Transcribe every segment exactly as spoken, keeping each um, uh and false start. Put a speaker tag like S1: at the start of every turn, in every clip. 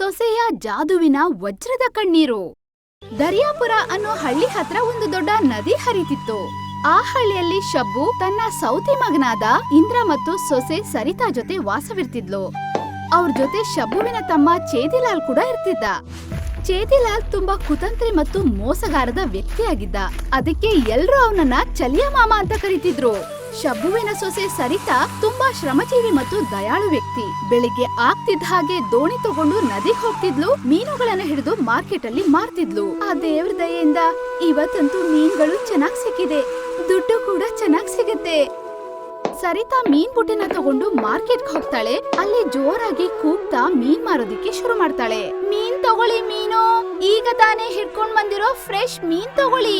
S1: ಸೊಸೆಯ ಜಾದುವಿನ ವಜ್ರದ ಕಣ್ಣೀರು. ದರ್ಯಾಪುರ ಅನ್ನೋ ಹಳ್ಳಿ ಹತ್ರ ಒಂದು ದೊಡ್ಡ ನದಿ ಹರಿತಿತ್ತು. ಆ ಹಳ್ಳಿಯಲ್ಲಿ ಶಬ್ಬು ತನ್ನ ಸೌತಿ ಮಗನಾದ ಇಂದ್ರ ಮತ್ತು ಸೊಸೆ ಸರಿತಾ ಜೊತೆ ವಾಸವಿರ್ತಿದ್ಲು. ಅವ್ರ ಜೊತೆ ಶಬ್ಬುವಿನ ತಮ್ಮ ಚೇದಿಲಾಲ್ ಕೂಡ ಇರ್ತಿದ್ದ. ಚೇದಿಲಾಲ್ ತುಂಬಾ ಕುತಂತ್ರಿ ಮತ್ತು ಮೋಸಗಾರದ ವ್ಯಕ್ತಿಯಾಗಿದ್ದ. ಅದಕ್ಕೆ ಎಲ್ರೂ ಅವನನ್ನ ಚಲಿಯ ಮಾಮ ಅಂತ ಕರೀತಿದ್ರು. ಶಬ್ಬುವಿನ ಸೊಸೆ ಸರಿತಾ ತುಂಬಾ ಶ್ರಮಜೀವಿ ಮತ್ತು ದಯಾಳು ವ್ಯಕ್ತಿ. ಬೆಳಿಗ್ಗೆ ಆಗ್ತಿದ್ದ ಹಾಗೆ ದೋಣಿ ತಗೊಂಡು ನದಿಗೆ ಹೋಗ್ತಿದ್ಲು. ಮೀನುಗಳನ್ನ ಹಿಡಿದು ಮಾರ್ಕೆಟ್ ಅಲ್ಲಿ ಮಾರ್ತಿದ್ಲು. ಆ ದೇವ್ರ ದಯೆಯಿಂದ ಇವತ್ತಂತೂ ಮೀನುಗಳು ಚೆನ್ನಾಗ್ ಸಿಕ್ಕಿದೆ, ದುಡ್ಡು ಕೂಡ ಚೆನ್ನಾಗ್ ಸಿಗುತ್ತೆ. ಸರಿತಾ ಮೀನ್ ಬುಟ್ಟಿನ ತಗೊಂಡು ಮಾರ್ಕೆಟ್ ಹೋಗ್ತಾಳೆ. ಅಲ್ಲಿ ಜೋರಾಗಿ ಕೂಗ್ತಾ ಮೀನ್ ಮಾರೋದಿಕ್ಕೆ ಶುರು ಮಾಡ್ತಾಳೆ. ಮೀನ್ ತಗೊಳ್ಳಿ, ಮೀನು ಈಗ ತಾನೇ ಹಿಡ್ಕೊಂಡ್ ಬಂದಿರೋ ಫ್ರೆಶ್ ಮೀನ್ ತಗೊಳ್ಳಿ.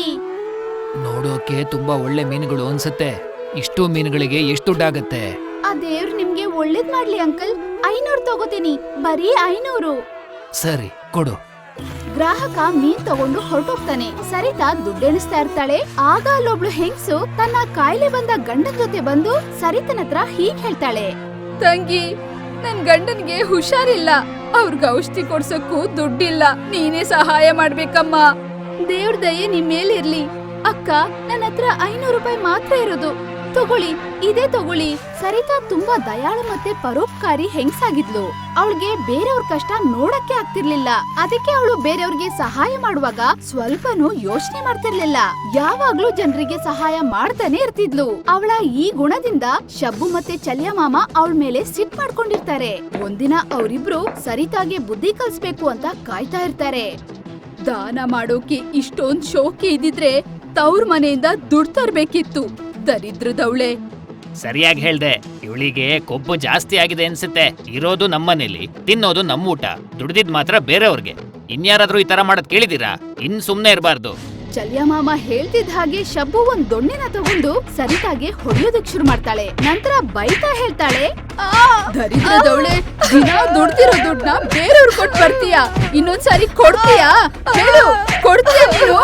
S2: ನೋಡೋಕೆ ತುಂಬಾ ಒಳ್ಳೆ ಮೀನುಗಳು ಅನ್ಸುತ್ತೆ. ಇಷ್ಟು ಮೀನುಗಳಿಗೆ ಎಷ್ಟು ದುಡ್ಡಾಗತ್ತೆ?
S1: ಆ ದೇವ್ರು ನಿಮ್ಗೆ ಒಳ್ಳೇದ್ ಮಾಡ್ಲಿ ಅಂಕಲ್. ಐನೂರು ತಗೋತೀನಿ, ಬರೀ ಐನೂರು.
S2: ಸರಿ ಕೊಡು.
S1: ಗ್ರಾಹಕ ಮೀನ್ ತಗೊಂಡು ಹೊರಟೋಗ್ತಾನೆ. ಸರಿತಾ ದುಡ್ಡೆಣಿಸ್ತಾ ಇರ್ತಾಳೆ. ಆಗ ಅಲ್ಲೊಬ್ಳು ಹೆಂಗ್ಸು ತನ್ನ ಕಾಯಿಲೆ ಬಂದ ಗಂಡನ್ ಜೊತೆ ಬಂದು ಸರಿತನ ಹತ್ರ ಹೀಗ್ ಹೇಳ್ತಾಳೆ. ತಂಗಿ, ನನ್ ಗಂಡನ್ಗೆ ಹುಷಾರಿಲ್ಲ, ಅವ್ರಿಗೆ ಔಷಧಿ ಕೊಡ್ಸಕ್ಕೂ ದುಡ್ಡಿಲ್ಲ, ನೀನೇ ಸಹಾಯ ಮಾಡ್ಬೇಕಮ್ಮ. ದೇವ್ರ ದಯೆ ನಿಮ್ ಮೇಲಿರ್ಲಿ ಅಕ್ಕ. ನನ್ನ ಹತ್ರ ಐನೂರು ರೂಪಾಯಿ ಮಾತ್ರ ಇರೋದು, ತಗೊಳ್ಳಿ, ಇದೇ ತಗೊಳ್ಳಿ. ಸರಿತಾ ತುಂಬಾ ದಯಾಳು ಮತ್ತೆ ಪರೋಪಕಾರಿ ಹೆಂಗ್ಸಾಗಿದ್ಲು. ಅವಳಿಗೆ ಬೇರೆಯವ್ರ ಕಷ್ಟ ನೋಡಕ್ಕೆ ಆಗ್ತಿರ್ಲಿಲ್ಲ. ಅದಕ್ಕೆ ಅವಳು ಬೇರೆಯವ್ರಿಗೆ ಸಹಾಯ ಮಾಡುವಾಗ ಸ್ವಲ್ಪನೂ ಯೋಚನೆ ಮಾಡ್ತಿರ್ಲಿಲ್ಲ. ಯಾವಾಗ್ಲೂ ಜನರಿಗೆ ಸಹಾಯ ಮಾಡ್ತಾನೆ ಇರ್ತಿದ್ಲು. ಅವಳ ಈ ಗುಣದಿಂದ ಶಬ್ಬು ಮತ್ತೆ ಚಲಿಯ ಮಾಮ ಅವಳ ಮೇಲೆ ಸಿಟ್ ಮಾಡ್ಕೊಂಡಿರ್ತಾರೆ. ಒಂದಿನ ಅವರಿಬ್ರು ಸರಿತಾಗೆ ಬುದ್ಧಿ ಕಲ್ಸ್ಬೇಕು ಅಂತ ಕಾಯ್ತಾ ಇರ್ತಾರೆ. ದಾನ ಮಾಡೋಕೆ ಇಷ್ಟೊಂದ್ ಶೋಕಿ ಇದ್ದಿದ್ರೆ ತವ್ರ ಮನೆಯಿಂದ ದುಡ್ಡು ತರ್ಬೇಕಿತ್ತು, ದರಿದ್ರದವಳೆ.
S2: ಸರಿಯಾಗಿ ಹೇಳ್ದೆ. ಇವಳಿಗೆ ಕೊಬ್ಬು ಜಾಸ್ತಿ ಆಗಿದೆ ಅನ್ಸುತ್ತೆ. ಇರೋದು ನಮ್ಮನೇಲಿ, ತಿನ್ನೋದು ನಮ್ಮ ಊಟ, ದುಡ್ದಿದ್ ಮಾತ್ರ ಬೇರೆಯವ್ರಿಗೆ. ಇನ್ಯಾರಾದ್ರೂ ಈ ತರ ಮಾಡೋದ್ ಕೇಳಿದೀರಾ? ಇನ್ ಸುಮ್ನೆ ಇರಬಾರ್ದು.
S1: ಚಲಿಯ ಮಾಮ ಹೇಳ್ತಿದ್ದ ಹಾಗೆ ಶಬ್ಬು ಒಂದ್ ದೊಣ್ಣೆನ ತಗೊಂಡು ಸರಿತಾಗೆ ಹೊಡೆಯೋದಕ್ ಶುರು ಮಾಡ್ತಾಳೆ. ನಂತರ ಬೈತಾ ಹೇಳ್ತಾಳೆ, ದರಿದ್ರದವಳೆ, ದಿನ ದುಡ್ದಿರೋ ದುಡ್ಡನ್ನ ಬೇರೆಯವ್ರು ಕೊಟ್ಟು ಬರ್ತೀಯಾ? ಇನ್ನೊಂದ್ಸಾರಿ ಕೊಡ್ತೀಯಾ? ಹೇಳು, ಕೊಡ್ತೀಯಾ ನೀನು?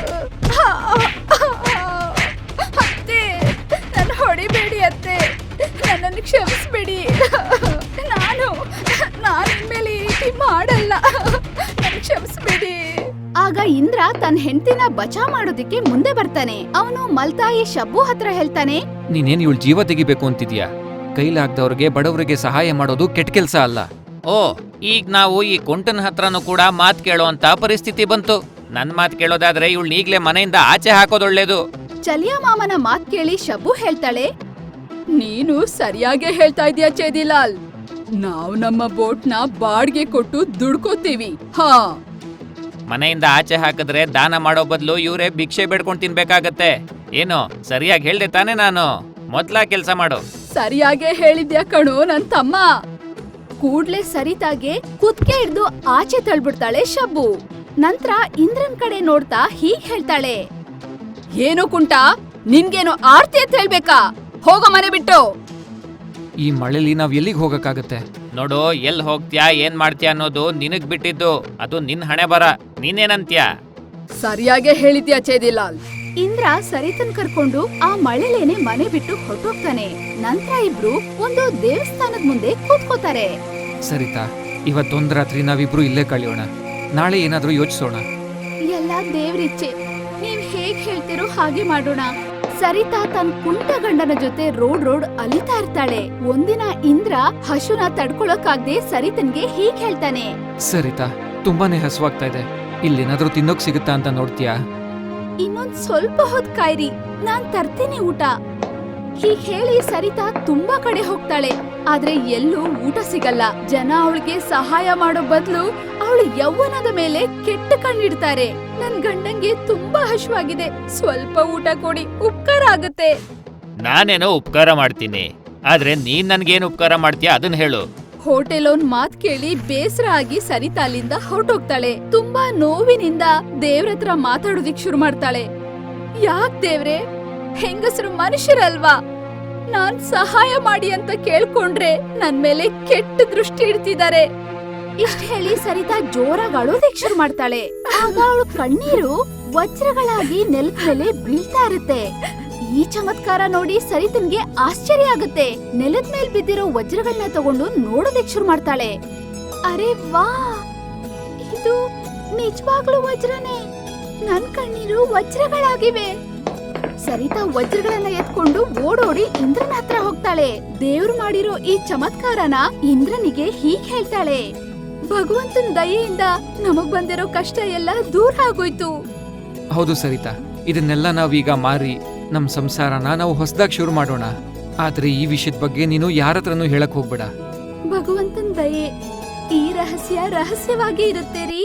S1: ಅತ್ತೆ, ನನ್ನ ಹೊಡಿಬೇಡಿ ಅತ್ತೆ, ನನ್ನನ್ನು ಕ್ಷಮಿಸ್ಬೇಡಿ. ನಾನು ನಾನು ಇನ್ಮೇಲೆ ಈ ರೀತಿ ಮಾಡಲ್ಲ, ಕ್ಷಮಿಸ್ಬೇಡಿ. ಆಗ ಇಂದ್ರ ತನ್ನ ಹೆಂಡತಿನ ಬಚಾ ಮಾಡೋದಿಕ್ಕೆ ಮುಂದೆ ಬರ್ತಾನೆ. ಅವನು ಮಲ್ತಾಯಿ ಶಬ್ಬು ಹತ್ರ ಹೇಳ್ತಾನೆ,
S3: ನೀನೇನ್ ಇವಳು ಜೀವ ತೆಗಿಬೇಕು ಅಂತಿದ್ಯಾ? ಕೈಲಾಗ್ದವ್ರಿಗೆ ಬಡವರಿಗೆ ಸಹಾಯ ಮಾಡೋದು ಕೆಟ್ಟ ಕೆಲ್ಸ ಅಲ್ಲ.
S2: ಓ, ಈಗ ನಾವು ಈ ಕೊಂಟನ್ ಹತ್ರನೂ ಕೂಡ ಮಾತ್ ಕೇಳೋ ಅಂತ ಪರಿಸ್ಥಿತಿ ಬಂತು. ನನ್ ಮಾತ್ ಕೇಳೋದಾದ್ರೆ ಇವಳು ಈಗ್ಲೇ ಮನೆಯಿಂದ ಆಚೆ ಹಾಕೋದೊಳ್ಳೇದು.
S1: ಚಲಿಯ ಮಾಮನ ಮಾತ್ ಕೇಳಿ ಶಬ್ಬು ಹೇಳ್ತಾಳೆ, ನೀನು ಸರಿಯಾಗಿ ಹೇಳ್ತಾ ಇದೀಯ ಚೇದಿಲಾಲ್. ನಾವು ನಮ್ಮ ಬೋಟ್ನ ಬಾಡ್ಗೆ ಕೊಟ್ಟು ದುಡ್ಕೋತೀವಿ. ಹಾ,
S2: ಮನೆಯಿಂದ ಆಚೆ ಹಾಕಿದ್ರೆ ದಾನ ಮಾಡೋ ಬದಲು ಇವರೇ ಭಿಕ್ಷೆ ಬೇಡ್ಕೊಂಡ್ ತಿನ್ಬೇಕಾಗತ್ತೆ. ಏನು ಸರಿಯಾಗಿ ಹೇಳ್ದೆ ತಾನೆ? ನಾನು ಮೊದ್ಲ ಕೆಲ್ಸ ಮಾಡು.
S1: ಸರಿಯಾಗೆ ಹೇಳಿದ್ಯಾ ಕಣೋ ನನ್ ತಮ್ಮ. ಕೂಡ್ಲೆ ಸರಿತಾಗೆ ಕುತ್ಕೆ ಹಿಡ್ದು ಆಚೆ ತಳ್ಬಿಡ್ತಾಳೆ ಶಬ್ಬು. ನಂತರ ಇಂದ್ರನ್ ಕಡೆ ನೋಡ್ತಾ ಹೀಗ್ ಹೇಳ್ತಾಳೆ, ಏನು ಕುಂಟ, ನಿನ್ಗೇನು ಆರ್ತಿ ಅಂತ ಹೇಳ್ಬೇಕಾ? ಹೋಗೋ ಮನೆ ಬಿಟ್ಟು.
S3: ಈ ಮಳೆಲಿ ನಾವ್ ಎಲ್ಲಿಗೆ ಹೋಗಕ್ಕಾಗತ್ತೆ?
S2: ನೋಡು, ಎಲ್ ಹೋಗ್ತ್ಯಾ ಏನ್ ಮಾಡ್ತೀಯ ಅನ್ನೋದು ನಿನಗ್ ಬಿಟ್ಟಿದ್ದು. ಅದು ನಿನ್ ಹಣೆ ಬರ. ನೀನೇನಂತ್ಯ?
S1: ಸರಿಯಾಗೆ ಹೇಳಿದ್ಯಾ ಚೇದಿಲಾಲ್. ಇಂದ್ರ ಸರಿತನ್ ಕರ್ಕೊಂಡು ಆ ಮಳೆಲೇನೆ ಮನೆ ಬಿಟ್ಟು ಹೊರಟೋಗ್ತಾನೆ. ನಂತರ ಇಬ್ರು ಒಂದು ದೇವಸ್ಥಾನದ ಮುಂದೆ ಕೂತ್ಕೋತಾರೆ.
S3: ಸರಿತಾ, ಇವತ್ತೊಂದ್ ರಾತ್ರಿ ನಾವಿಬ್ರು ಇಲ್ಲೇ ಕಳೆಯೋಣ. ನಾಳೆ ಏನಾದ್ರೂ ಯೋಚಿಸೋಣ.
S1: ಎಲ್ಲ ದೇವ್ರಿಚ್ಛೆ, ನೀವ್ ಹೇಗ್ ಹೇಳ್ತಿರೋ ಹಾಗೆ ಮಾಡೋಣ. ಸರಿತಾ ತನ್ ಕುಂಟ ಗಂಡನ ಜೊತೆ ರೋಡ್ ರೋಡ್ ಅಲಿತಾ ಇರ್ತಾಳೆ. ಒಂದಿನ ಇಂದ್ರ ಹಶುನ ತಡ್ಕೊಳಕ್ಕಾಗ್ದೆ ಸರಿತನ್ಗೆ ಹೀಗ್ ಹೇಳ್ತಾನೆ,
S3: ಸರಿತಾ, ತುಂಬಾನೇ ಹಸುವಾಗ್ತಾ ಇದೆ, ಇಲ್ಲೇನಾದ್ರೂ ತಿನ್ನೋಕ್ ಸಿಗುತ್ತಾ ಅಂತ ನೋಡ್ತೀಯಾ?
S1: ಇನ್ನೊಂದ್ ಸ್ವಲ್ಪ ಹೊತ್ ಕಾಯ್ರಿ, ನಾನ್ ತರ್ತೀನಿ ಊಟ. ಹೀಗ್ ಹೇಳಿ ಸರಿತಾ ತುಂಬಾ ಕಡೆ ಹೋಗ್ತಾಳೆ. ಆದ್ರೆ ಎಲ್ಲೂ ಊಟ ಸಿಗಲ್ಲ. ಜನ ಅವಳಿಗೆ ಸಹಾಯ ಮಾಡೋ ಬದ್ಲು ಅವಳು ಯೌವನದ ಮೇಲೆ ಕೆಟ್ಟ ಕಣ್ಣಿಡ್ತಾರೆ. ನನ್ ಗಂಡಂಗೆ ತುಂಬಾ ಹಶ್ವಾಗಿದೆ, ಸ್ವಲ್ಪ ಊಟ ಕೊಡಿ, ಉಪಕಾರ ಆಗುತ್ತೆ.
S2: ನಾನೇನೋ ಉಪಕಾರ ಮಾಡ್ತೀನಿ, ಆದ್ರೆ ನೀನ್ ನನ್ಗೇನು ಉಪಕಾರ ಮಾಡ್ತೀಯ ಅದನ್ನ ಹೇಳು.
S1: ಹೋಟೆಲ್ ಒಂದ್ ಮಾತ್ ಕೇಳಿ ಬೇಸರ ಆಗಿ ಸರಿತಾ ಅಲ್ಲಿಂದ ಹೊರಟೋಗ್ತಾಳೆ. ತುಂಬಾ ನೋವಿನಿಂದ ದೇವ್ರತ್ರ ಮಾತಾಡೋದಿಕ್ ಶುರು ಮಾಡ್ತಾಳೆ. ಯಾಕ್ ದೇವ್ರೆ, ಹೆಂಗಸರು ಮನುಷ್ಯರಲ್ವಾ? ನಾನ್ ಸಹಾಯ ಮಾಡಿ ಅಂತ ಕೇಳ್ಕೊಂಡ್ರೆ ನನ್ ಮೇಲೆ ಕೆಟ್ಟ ದೃಷ್ಟಿ ಇಡ್ತಿದ್ದಾರೆ. ಇಷ್ಟ ಹೇಳಿ ಸರಿತಾ ಜೋರಾಗಿ ಅಳೋದಿಕ್ ಶುರು ಮಾಡ್ತಾಳೆ. ಆಗ ಅವಳು ಕಣ್ಣೀರು ವಜ್ರಗಳಾಗಿ ನೆಲದ ಮೇಲೆ ಬೀಳ್ತಾ ಇರುತ್ತೆ. ಈ ಚಮತ್ಕಾರ ನೋಡಿ ಸರಿತನ್ಗೆ ಆಶ್ಚರ್ಯ ಆಗುತ್ತೆ. ನೆಲದ ಮೇಲ್ ಬಿದ್ದಿರೋ ವಜ್ರಗಳನ್ನ ತಗೊಂಡು ನೋಡೋದಕ್ ಶುರು ಮಾಡ್ತಾಳೆ. ಅರೆ ವಾ, ಇದು ನಿಜವಾಗ್ಲೂ ವಜ್ರನೇ. ನನ್ ಕಣ್ಣೀರು ವಜ್ರಗಳಾಗಿವೆ. ಸರಿತಾ ವಜ್ರಗಳನ್ನ ಎತ್ಕೊಂಡು ಓಡೋಡಿ ಇಂದ್ರನ ಹತ್ರ ಹೋಗ್ತಾಳೆ. ದೇವ್ರು ಮಾಡಿರೋ ಈ ಚಮತ್ಕಾರನ ಇಂದ್ರನಿಗೆ ಹೀಗ್ ಹೇಳ್ತಾಳೆ, ಭಗವಂತನ ದಯೆಯಿಂದ ನಮಗ್ ಬಂದಿರೋ ಕಷ್ಟ ಎಲ್ಲ ದೂರ ಆಗೋಯ್ತು.
S3: ಹೌದು ಸರಿತಾ, ಇದನ್ನೆಲ್ಲ ನಾವೀಗ ಮಾರಿ ನಮ್ ಸಂಸಾರನ ನಾವು ಹೊಸದಾಗಿ ಶುರು ಮಾಡೋಣ. ಆದ್ರೆ ಈ ವಿಷಯದ ಬಗ್ಗೆ ನೀನು ಯಾರತ್ರನೂ ಹೇಳಕ್ ಹೋಗ್ಬೇಡ.
S1: ಭಗವಂತನ ದಯೆ, ಈ ರಹಸ್ಯ ರಹಸ್ಯವಾಗಿ ಇರುತ್ತೆ ರೀ.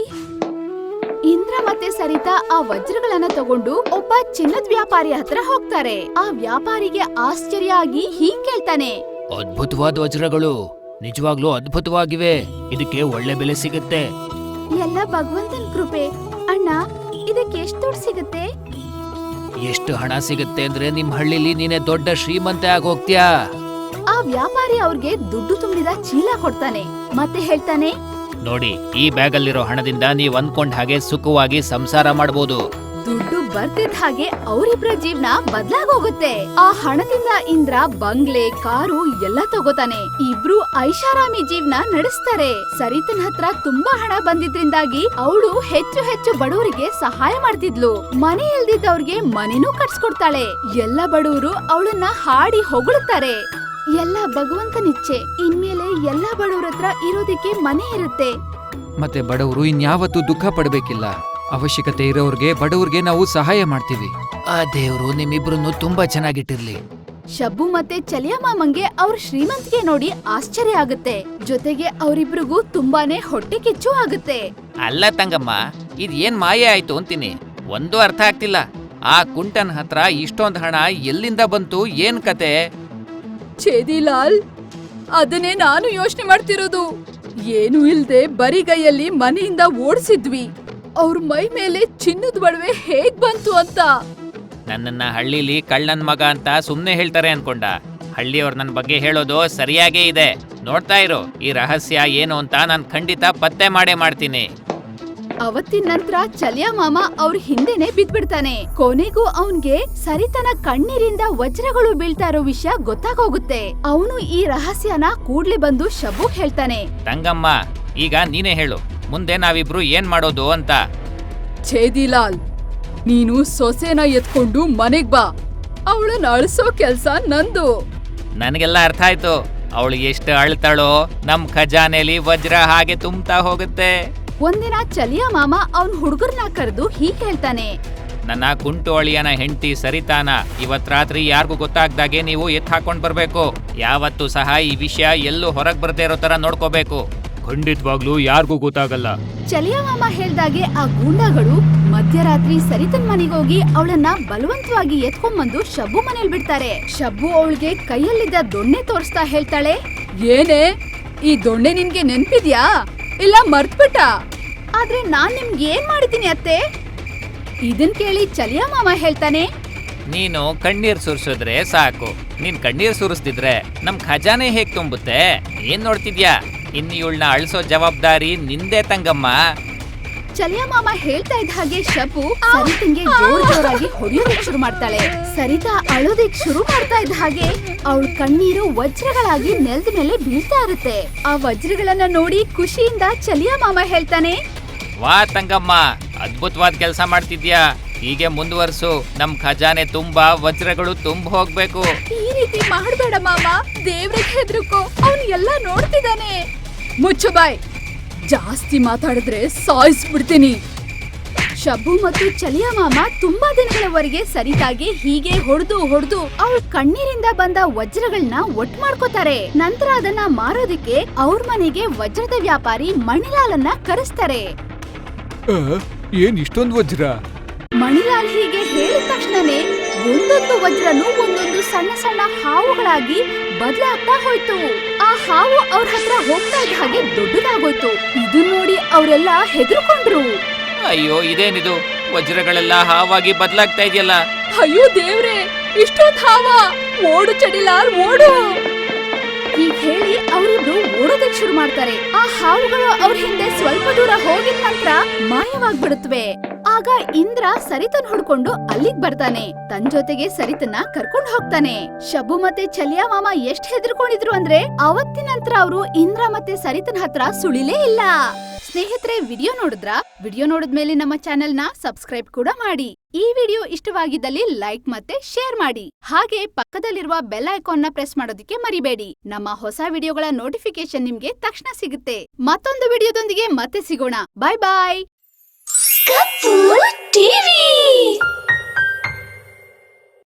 S1: ಇಂದ್ರ ಮತ್ತೆ ಸರಿತಾ ಆ ವಜ್ರಗಳನ್ನ ತಗೊಂಡು ಒಬ್ಬ ಚಿನ್ನದ ವ್ಯಾಪಾರಿ ಹತ್ರ ಹೋಗ್ತಾರೆ. ಆ ವ್ಯಾಪಾರಿಗೆ ಆಶ್ಚರ್ಯ ಆಗಿ ಹೀಗ್ ಕೇಳ್ತಾನೆ,
S2: ಅದ್ಭುತವಾದ ವಜ್ರಗಳು, ನಿಜವಾಗ್ಲೂ ಅದ್ಭುತವಾಗಿವೆ. ಇದಕ್ಕೆ ಒಳ್ಳೆ ಬೆಲೆ ಸಿಗುತ್ತೆ.
S1: ಎಲ್ಲ ಭಗವಂತನ ಕೃಪೆ. ಅಣ್ಣ, ಇದಕ್ಕೆ ಎಷ್ಟು ದುಡ್ಡು ಸಿಗುತ್ತೆ?
S2: ಎಷ್ಟು ಹಣ ಸಿಗುತ್ತೆ ಅಂದ್ರೆ ನಿಮ್ ಹಳ್ಳಿಲಿ ನೀನೆ ದೊಡ್ಡ ಶ್ರೀಮಂತೆ ಆಗೋಗ್ತೀಯಾ.
S1: ಆ ವ್ಯಾಪಾರಿ ಅವ್ರಿಗೆ ದುಡ್ಡು ತುಂಬಿದ ಚೀಲ ಕೊಡ್ತಾನೆ ಮತ್ತೆ ಹೇಳ್ತಾನೆ,
S2: ನೋಡಿ, ಈ ಬ್ಯಾಗಲ್ಲಿರೋ ಹಣದಿಂದ ನೀವ್ ಅನ್ಕೊಂಡ್ ಹಾಗೆ ಸುಖವಾಗಿ ಸಂಸಾರ ಮಾಡ್ಬೋದು.
S1: ದುಡ್ಡು ಬರ್ತಿದ್ದ ಹಾಗೆ ಅವರಿಬ್ರ ಜೀವನ ಬದ್ಲಾಗೋಗುತ್ತೆ. ಆ ಹಣದಿಂದ ಇಂದ್ರ ಬಂಗ್ಲೆ, ಕಾರು ಎಲ್ಲ ತಗೋತಾನೆ. ಇಬ್ರು ಐಷಾರಾಮಿ ಜೀವನ ನಡೆಸ್ತಾರೆ. ಸರಿತನ್ ಹತ್ರ ತುಂಬಾ ಹಣ ಬಂದಿದ್ರಿಂದಾಗಿ ಅವಳು ಹೆಚ್ಚು ಹೆಚ್ಚು ಬಡವರಿಗೆ ಸಹಾಯ ಮಾಡ್ತಿದ್ಲು. ಮನೆ ಇಲ್ದಿದ್ದವ್ರಿಗೆ ಮನೆನೂ ಕಟ್ಸ್ಕೊಡ್ತಾಳೆ. ಎಲ್ಲ ಬಡವರು ಅವಳನ್ನ ಹಾಡಿ ಹೊಗಳುತ್ತಾರೆ. ಎಲ್ಲ ಭಗವಂತನಿಚ್ಛೆ. ಇನ್ಮೇಲೆ ಎಲ್ಲಾ ಬಡವ್ರ ಹತ್ರ ಇರೋದಕ್ಕೆ ಮನೆ ಇರುತ್ತೆ.
S3: ಮತ್ತೆ ಬಡವರು ಇನ್ಯಾವತ್ತೂ ದುಃಖ ಪಡ್ಬೇಕಿಲ್ಲ. ಅವಶ್ಯಕತೆ ಇರೋರ್ಗೆ, ಬಡವ್ರಿಗೆ ನಾವು ಸಹಾಯ ಮಾಡ್ತೀವಿ.
S2: ಆ ದೇವ್ರು ನಿಮ್ಮಿಬ್ರನ್ನು ತುಂಬಾ ಚೆನ್ನಾಗಿಟ್ಟಿರ್ಲಿ.
S1: ಶಬ್ಬು ಮತ್ತೆ ಚಲಿಯ ಮಾಮಂಗೆ ಅವ್ರ ಶ್ರೀಮಂತಿಗೆ ನೋಡಿ ಆಶ್ಚರ್ಯ ಆಗುತ್ತೆ. ಜೊತೆಗೆ ಅವರಿಬ್ರಿಗೂ ತುಂಬಾನೇ ಹೊಟ್ಟೆ ಕಿಚ್ಚು ಆಗುತ್ತೆ.
S2: ಅಲ್ಲ ತಂಗಮ್ಮ, ಇದ್ ಏನ್ ಮಾಯೆ ಆಯ್ತು ಅಂತೀನಿ. ಒಂದು ಅರ್ಥ ಆಗ್ತಿಲ್ಲ. ಆ ಕುಂಟನ್ ಹತ್ರ ಇಷ್ಟೊಂದ್ ಹಣ ಎಲ್ಲಿಂದ ಬಂತು? ಏನ್ ಕತೆ?
S1: ಛೇದಿಲಾಲ್, ಅದನ್ನೇ ನಾನು ಯೋಚನೆ ಮಾಡ್ತಿರೋದು. ಏನು ಇಲ್ದೆ ಬರಿಗೈಯಲ್ಲಿ ಮನೆಯಿಂದ ಓಡಿಸಿದ್ವಿ. ಅವ್ರ ಮೈ ಮೇಲೆ ಚಿನ್ನದ ಒಡವೆ ಹೇಗ್ ಬಂತು ಅಂತ.
S2: ನನ್ನನ್ನ ಹಳ್ಳಿಲಿ ಕಳ್ಳನ್ ಮಗ ಅಂತ ಸುಮ್ನೆ ಹೇಳ್ತಾರೆ ಅನ್ಕೊಂಡ. ಹಳ್ಳಿಯವ್ರು ನನ್ ಬಗ್ಗೆ ಹೇಳೋದು ಸರಿಯಾಗೇ ಇದೆ. ನೋಡ್ತಾ ಇರು, ಈ ರಹಸ್ಯ ಏನು ಅಂತ ನಾನ್ ಖಂಡಿತ ಪತ್ತೆ ಮಾಡೇ ಮಾಡ್ತೀನಿ.
S1: ಅವತ್ತಿನ ನಂತರ ಚಲಿಯ ಮಾಮ ಅವ್ರ ಹಿಂದೆನೆ ಬಿದ್ಬಿಡ್ತಾನೆ. ಕೊನೆಗೂ ಅವನ್ಗೆ ಸರಿತನ ಕಣ್ಣೀರಿಂದ ವಜ್ರಗಳು ಬೀಳ್ತಾ ಇರೋ ವಿಷಯ ಗೊತ್ತಾಗೋಗುತ್ತೆ. ಅವನು ಈ ರಹಸ್ಯನ ಕೂಡ್ಲೆ ಬಂದು ಶಬ್ಬು ಹೇಳ್ತಾನೆ,
S2: ತಂಗಮ್ಮ, ಈಗ ನೀನೇ ಹೇಳು, ಮುಂದೆ ನಾವಿಬ್ರು ಏನ್ ಮಾಡೋದು ಅಂತ.
S1: ಛೇದಿಲಾಲ್, ನೀನು ಸೊಸೆನ ಎತ್ಕೊಂಡು ಮನೆಗ್ ಬಾ. ಅವಳನ್ನ ಅಳಿಸೋ ಕೆಲ್ಸ ನಂದು.
S2: ನನಗೆಲ್ಲ ಅರ್ಥ ಆಯ್ತು. ಅವಳು ಎಷ್ಟು ಅಳ್ತಾಳೋ ನಮ್ ಖಜಾನೆಲಿ ವಜ್ರ ಹಾಗೆ ತುಂಬ್ತಾ ಹೋಗುತ್ತೆ.
S1: ಒಂದಿನ ಚಲಿಯ ಮಾಮ ಅವನ್ ಹುಡುಗರ್ನ ಕರೆದು ಹೀಗ್ ಹೇಳ್ತಾನೆ,
S2: ನನ್ನ ಕುಂಟು ಅಳಿಯನ ಹೆಂಡತಿ ಸರಿತಾನ ಇವತ್ ರಾತ್ರಿ ಯಾರಿಗೂ ಗೊತ್ತಾಗ್ದಾಗೆ ನೀವು ಎತ್ ಹಾಕೊಂಡ್ ಬರ್ಬೇಕು. ಯಾವತ್ತೂ ಸಹ ಈ ವಿಷಯ ಎಲ್ಲೂ ಹೊರಗ್ ಬರ್ದೇ ಇರೋ ತರ ನೋಡ್ಕೋಬೇಕು. ಖಂಡಿತವಾಗ್ಲೂ ಯಾರಿಗೂ ಗೊತ್ತಾಗಲ್ಲ.
S1: ಚಲಿಯ ಮಾಮ ಹೇಳ್ದಾಗೆ ಆ ಗೂಂಡಾಗಳು ಮಧ್ಯರಾತ್ರಿ ಸರಿತನ್ ಮನೆಗೋಗಿ ಅವಳನ್ನ ಬಲವಂತವಾಗಿ ಎತ್ಕೊಂಡ್ಬಂದು ಶಬ್ಬು ಮನೇಲಿ ಬಿಡ್ತಾರೆ. ಶಬ್ಬು ಅವಳಿಗೆ ಕೈಯಲ್ಲಿದ್ದ ದೊಣ್ಣೆ ತೋರಿಸ್ತಾ ಹೇಳ್ತಾಳೆ, ಏನೇ ಈ ದೊಣ್ಣೆ ನಿನ್ಗೆ ನೆನ್ಪಿದ್ಯಾ ಇಲ್ಲ ಮರ್ತ್ಬಿಟ್ಟ? ಆದ್ರೆ ನಾನ್ ನಿಮ್ಗೆ ಏನ್ ಮಾಡಿದ್ದೀನಿ ಅತ್ತೆ? ಇದನ್ ಕೇಳಿ ಚಲಿಯ ಮಾಮ ಹೇಳ್ತಾನೆ,
S2: ನೀನು ಕಣ್ಣೀರ್ ಸುರಿಸಿದ್ರೆ ಸಾಕು. ನೀನ್ ಕಣ್ಣೀರ್ ಸುರಿಸ್ತಿದ್ರೆ ನಮ್ ಖಜಾನೆ ಹೇಗ್ ತುಂಬುತ್ತೆ? ಏನ್ ನೋಡ್ತಿದ್ಯಾ? ಇನ್ನು ಇವಳನ್ನ ಅಳಿಸೋ ಜವಾಬ್ದಾರಿ ನಿಂದೆ ತಂಗಮ್ಮ.
S1: ಚಲಿಯ ಮಾಮ ಹೇಳ್ತಾ ಇದ್ದ ಹಾಗೆ ಶಬ್ಬು ಸರಿತಂಗೆ ಜೋರ್ ಜೋರಾಗಿ ಹೊಡೆಯೋದಕ್ಕೆ ಶುರು ಮಾಡ್ತಾಳೆ. ಸರಿತಾ ಅಳೋದಕ್ಕೆ ಶುರು ಮಾಡ್ತಾ ಇದ್ದ ಹಾಗೆ ಅವಳ ಕಣ್ಣೀರು ವಜ್ರಗಳಾಗಿ ನೆಲದ ಮೇಲೆ ಬೀಳ್ತಾ ಇರುತ್ತೆ. ಆ ವಜ್ರಗಳನ್ನ ನೋಡಿ ಖುಷಿಯಿಂದ ಚಲಿಯ ಮಾಮ ಹೇಳ್ತಾನೆ,
S2: ವಾ ತಂಗಮ್ಮ, ಅದ್ಭುತವಾದ ಕೆಲಸ ಮಾಡ್ತಿದ್ಯಾ. ಹೀಗೆ ಮುಂದುವರ್ಸು. ನಮ್ ಖಜಾನೆ ತುಂಬಾ ವಜ್ರಗಳು ತುಂಬ ಹೋಗ್ಬೇಕು.
S1: ಈ ರೀತಿ ಮಾಡ್ಬೇಡ ಮಾಮ, ದೇವ್ರಿಗೆ ಹೆದ್ರುಕೋ, ಅವನು ಎಲ್ಲ ನೋಡ್ತಿದ್ದಾನೆ. ಮುಚ್ಚು ಬಾಯ್, ಜಾಸ್ತಿ ಮಾತಾಡಿದ್ರೆ ಸಾಯಿಸ್ಬಿಡ್ತೀನಿ. ಶಬ್ಬು ಮತ್ತು ಚಲಿಯ ಮಾಮ ತುಂಬಾ ದಿನಗಳವರೆಗೆ ಸರಿತಾಗಿ ಹೀಗೆ ಹೊಡೆದು ಹೊಡೆದು ಅವಳ ಕಣ್ಣೀರಿಂದ ಬಂದ ವಜ್ರಗಳನ್ನ ಒಟ್ಟು ಮಾಡ್ಕೋತಾರೆ. ನಂತರ ಅದನ್ನ ಮಾರೋದಕ್ಕೆ ಅವ್ರ ಮನೆಗೆ ವಜ್ರದ ವ್ಯಾಪಾರಿ ಮಣಿಲಾಲನ್ನ ಕರೆಸ್ತಾರೆ.
S3: ಏನ್ ಇಷ್ಟೊಂದು ವಜ್ರ?
S1: ಮಣಿಲಾಲ್ ಹೀಗೆ ಹೇಳಿದ ತಕ್ಷಣನೇ ಒಂದೊಂದು ವಜ್ರನು ಒಂದೊಂದು ಸಣ್ಣ ಸಣ್ಣ ಹಾವುಗಳಾಗಿ ಬದಲಾಗ್ತಾ ಹೋಯ್ತು. ಆ ಹಾವು ಅವ್ರ ಹತ್ರ ಹೋಗ್ತಾ ಇದ್ದ ಹಾಗೆ ದೊಡ್ಡದಾಗೋಯ್ತು. ಇದನ್ ನೋಡಿ ಅವರೆಲ್ಲ ಹೆದರ್ಕೊಂಡ್ರು.
S2: ಅಯ್ಯೋ, ಇದೇನಿದು? ವಜ್ರಗಳೆಲ್ಲ ಹಾವಾಗಿ ಬದಲಾಗ್ತಾ ಇದೆಯಲ್ಲ.
S1: ಅಯ್ಯೋ ದೇವ್ರೆ, ಇಷ್ಟೊಂದು ಹಾವ! ಓಡು ಚಡಿಲಾಲ್, ಓಡು! ಹೀಗ್ ಹೇಳಿ ಅವರಿಬ್ರು ಓಡೋದಕ್ಕೆ ಶುರು ಮಾಡ್ತಾರೆ. ಆ ಹಾವುಗಳು ಅವ್ರ ಹಿಂದೆ ಸ್ವಲ್ಪ ದೂರ ಹೋಗಿದ ನಂತರ ಮಾಯವಾಗ್ಬಿಡುತ್ತವೆ. ಆಗ ಇಂದ್ರ ಸರಿತನ್ ಹುಡ್ಕೊಂಡು ಅಲ್ಲಿಗ್ ಬರ್ತಾನೆ. ತನ್ ಜೊತೆಗೆ ಸರಿತನ್ನ ಕರ್ಕೊಂಡ್ ಹೋಗ್ತಾನೆ. ಶಬ್ಬು ಮತ್ತೆ ಚಲಿಯ ಮಾಮ ಎಷ್ಟ್ ಹೆದರ್ಕೊಂಡಿದ್ರು ಅಂದ್ರೆ ಅವತ್ತಿನ ನಂತರ ಅವರು ಇಂದ್ರ ಮತ್ತೆ ಸರಿತನ್ ಹತ್ರ ಸುಳಿಲೇ ಇಲ್ಲ. ಸ್ನೇಹಿತರೆ, ವಿಡಿಯೋ ನೋಡಿದ್ರ ವಿಡಿಯೋ ನೋಡಿದ್ಮೇಲೆ ನಮ್ಮ ಚಾನೆಲ್ ನ ಸಬ್ಸ್ಕ್ರೈಬ್ ಕೂಡ ಮಾಡಿ. ಈ ವಿಡಿಯೋ ಇಷ್ಟವಾಗಿದ್ದಲ್ಲಿ ಲೈಕ್ ಮತ್ತೆ ಶೇರ್ ಮಾಡಿ. ಹಾಗೆ ಪಕ್ಕದಲ್ಲಿರುವ ಬೆಲ್ ಐಕಾನ್ ನ ಪ್ರೆಸ್ ಮಾಡೋದಕ್ಕೆ ಮರಿಬೇಡಿ. ನಮ್ಮ ಹೊಸ ವಿಡಿಯೋಗಳ ನೋಟಿಫಿಕೇಶನ್ ನಿಮ್ಗೆ ತಕ್ಷಣ ಸಿಗುತ್ತೆ. ಮತ್ತೊಂದು ವಿಡಿಯೋದೊಂದಿಗೆ ಮತ್ತೆ ಸಿಗೋಣ. Bye bye.
S4: ಕಪ್ಪು ಟಿವಿ.